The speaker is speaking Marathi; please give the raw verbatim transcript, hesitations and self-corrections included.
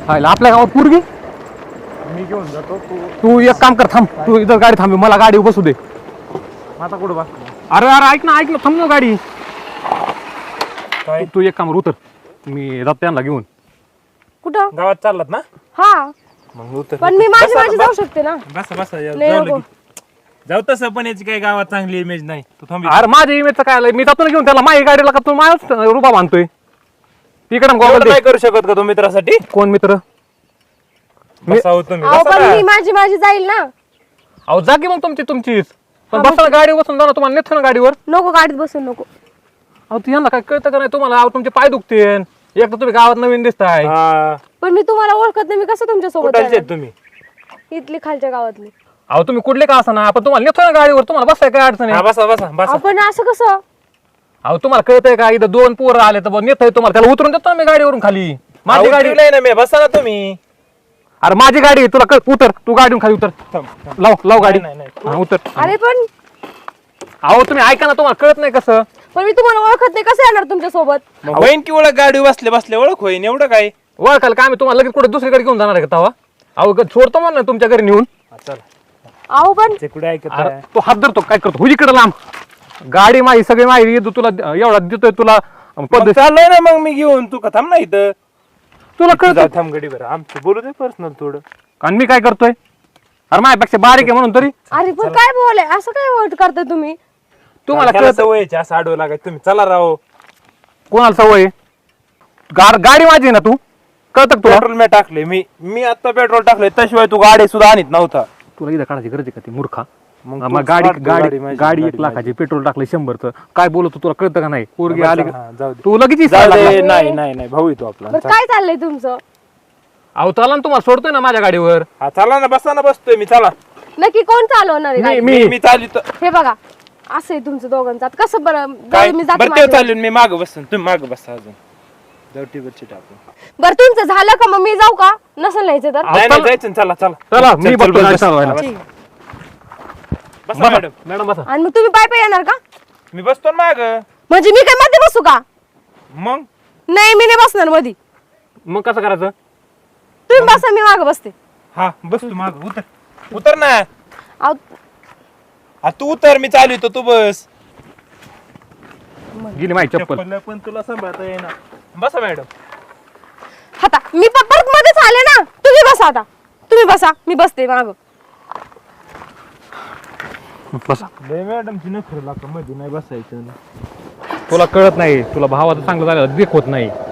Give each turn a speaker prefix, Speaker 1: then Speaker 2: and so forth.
Speaker 1: हायला आपल्या गावात पोरगी.
Speaker 2: मी घेऊन जातो तू
Speaker 1: तू एक काम कर, थांब तू इथं गाडी थांबी, मला गाडी बसू दे.
Speaker 2: आता कुठं बस
Speaker 1: अरे अरे ऐक ना ऐक ना थांब ना गाडी.
Speaker 2: काय
Speaker 1: तू एक काम उतर, मी जातो त्यांना घेऊन.
Speaker 3: कुठं?
Speaker 2: गावात चाललात ना?
Speaker 3: हा
Speaker 2: मग उतर.
Speaker 3: पण मी माझी माझी जाऊ शकते ना.
Speaker 2: बसा बसा
Speaker 3: नाही
Speaker 2: जाऊ
Speaker 3: नको.
Speaker 2: लगेच. जाऊ तसं पण याची काही गावात चांगली इमेज नाही. तू थांब.
Speaker 1: अरे माझ्या इमेजचं काय आलंय, मी जातो ना घेऊन त्याला. माझी गाडीला का तू माझ्याच रुपा बांधतोय तिकडं
Speaker 2: एवढं
Speaker 1: गोगल
Speaker 2: नाही करू शकत का तू मित्रासाठी?
Speaker 1: कोण मित्र?
Speaker 2: बसा हो तुम्ही,
Speaker 3: अहो
Speaker 2: बसा
Speaker 3: पण
Speaker 2: ना.
Speaker 3: मी माझी माझी जाईल ना.
Speaker 1: अहो जा की मग तुमची तुमचीच. पण
Speaker 3: हा,
Speaker 1: बसा ना गाडीवर बसून जा ना, तुम्हाला नेतो ना गाडीवर.
Speaker 3: नको गाडीत बसून नको.
Speaker 1: अहो ती यांना काय कळतं का नाही तुम्हाला? अहो तुमचे पाय दुखतेन, एक तर तुम्ही गावात नवीन दिसताय.
Speaker 2: हा.
Speaker 3: पण मी तुम्हाला ओळखत नाही, मी कसं तुमच्या सोबत
Speaker 2: कुठलचे
Speaker 3: येणार?
Speaker 2: आहेत तुम्ही?
Speaker 3: इथली खालच्या गावातली.
Speaker 1: अहो तुम्ही कुठले का असं ना, आपण तुम्हाला नेतो ना गाडीवर, तुम्हाला बसाय काय अडचण
Speaker 2: हा
Speaker 1: आहे?
Speaker 2: बसा बसा बसा.
Speaker 3: आपण असं कसं?
Speaker 1: अहो तुम्हाला कळतंय का, इथं दोन पोरं आले तर नेतोय तुम्हाला, त्याला उतरून देतो ना मी गाडीवरून खाली. माझी गाडी
Speaker 2: नाही ना मी, बसा ना तुम्ही.
Speaker 1: अरे माझी गाडी आहे, तुला कळ, उतर तू गाडीवरून खाली उतर.
Speaker 2: थांब, थांब.
Speaker 1: लाव लाव गाडी.
Speaker 2: नाही, नाही,
Speaker 1: हा उतर.
Speaker 3: अरे पण
Speaker 1: अहो तुम्ही ऐका ना, तुम्हाला कळत नाही कसं?
Speaker 3: पण मी तुम्हाला ओळखत नाही, कसं येणार तुमच्या सोबत?
Speaker 2: मग होईन की ओळख, गाडी बसले बसले ओळख होईन, एवढं काय?
Speaker 1: ओळखाल का आम्ही तुम्हाला लगेच कुठे दुसरीकडे घेऊन जाणार आहे का तवा? अहो ग- सोडतो म्हणा तुमच्या घरी नेऊन.
Speaker 2: हा, चला.
Speaker 3: अहो पण
Speaker 2: ते कुठे ऐकत
Speaker 1: अरे
Speaker 2: आहे?
Speaker 1: तो हात धरतो काय करतो, हुई इकडे लांब. गाडी माझी सगळी माहिती येतो तुला, एवढा देतोय तुला
Speaker 2: मग
Speaker 1: पद्धत.
Speaker 2: चाललोय ना मग मी घेऊन, तू का थांब ना इथं.
Speaker 1: तुला
Speaker 2: जा,
Speaker 1: कळत
Speaker 2: थांब गडी बरं, आमचं बोलू दे पर्सनल थोडं.
Speaker 1: आणि मी काय करतोय? अरे माझ्यापेक्षा बारीक आहे म्हणून तरी
Speaker 3: अरे पण काय बोलाय, असं काय वाट करताय तुम्ही?
Speaker 1: तुम्हाला
Speaker 2: त्याला
Speaker 1: कळत
Speaker 2: सवयीची असं आडवं लागायचं. तुम्ही चला राव.
Speaker 1: कोणाला सवय आहे? गार गाडी माझी आहे ना, तू कळत तुला?
Speaker 2: पेट्रोल मी टाकले, मी मी आता पेट्रोल टाकले, त्याशिवाय तू गाडी सुद्धा आणत नव्हता.
Speaker 1: तुला इथं काढायची गरज आहे का ती मूर्खा?
Speaker 2: मग
Speaker 1: मग
Speaker 2: तूच
Speaker 1: गाडी
Speaker 2: काढतो
Speaker 1: गाडी
Speaker 2: गाडी माझी,
Speaker 1: गाडी
Speaker 2: गाडी
Speaker 1: एक लाखाची, पेट्रोल टाकले शंभरचं, काय बोलतो तुला कळतं का नाही? पोरगी आली का?
Speaker 2: हा, जाऊ दे.
Speaker 1: तू लगेच
Speaker 2: जाऊ
Speaker 1: इसायला
Speaker 2: दे.
Speaker 1: लागला.
Speaker 2: नाही नाही नाही भाऊ येतो आपला.
Speaker 3: बरं काय चाललंय तुमचं?
Speaker 1: अहो चला ना, तुम्हाला सोडतोय ना माझ्या गाडीवर.
Speaker 2: हा चला ना, बसा ना, बसतोय मी. चला.
Speaker 3: नक्की कोण चालवणार आहे
Speaker 1: मी
Speaker 3: गाडी?
Speaker 1: मी
Speaker 2: मी मी चालित
Speaker 3: हे बघा असं आहे तुमचं दोघांचं. आता कसं बरं?
Speaker 2: काय
Speaker 3: जाऊ मी जाते
Speaker 2: बरं ते
Speaker 3: माझ्या-
Speaker 2: चालून मी माग बसन, तुम्ही माग बसा अजून. जाऊ टीव्हीवरची टाकून.
Speaker 3: बरं तुमचं झालं का? मग मी जाऊ का? नसेल न्यायचं तर?
Speaker 1: अहो,
Speaker 2: नाही नाही
Speaker 1: चला.
Speaker 2: जायचं ना, चला चला.
Speaker 1: चला
Speaker 2: चल,
Speaker 1: मी
Speaker 2: चल,
Speaker 1: बघतो
Speaker 2: बस,
Speaker 1: गाडी
Speaker 2: बस.
Speaker 1: चालवायला.
Speaker 3: ठीक.
Speaker 2: बसा
Speaker 1: बसा
Speaker 2: मॅडम.
Speaker 1: मॅडम बसा.
Speaker 3: आणि मग तुम्ही पाय पाय येणार का?
Speaker 2: मी बसतो ना माग.
Speaker 3: म्हणजे मी काय मध्ये बसू का?
Speaker 2: मग
Speaker 3: नाही मी नाही बसणार मध्ये.
Speaker 1: मग कसं करायचं?
Speaker 3: तुम्ही बसा, मी मागे बसते.
Speaker 2: हा बस तू माग. उतर उतर ना.
Speaker 3: अहो,
Speaker 2: हा तू उतर, मी चालू येतो, तू बस.
Speaker 1: गेली माझी चप्पल.
Speaker 2: चप्पल पण तुला सांभाळता येईना. बसा मॅडम.
Speaker 3: आता मी प- परत मध्येच आले ना. तुम्ही बसा आता. तुम्ही बसा, मी बसते माग.
Speaker 1: बसा.
Speaker 2: लय मॅडमची नखर लागतं, मध्ये नाही बसायचं.
Speaker 1: तुला कळत नाही, तुला भावाचं चांगलं झालं देखवत नाही.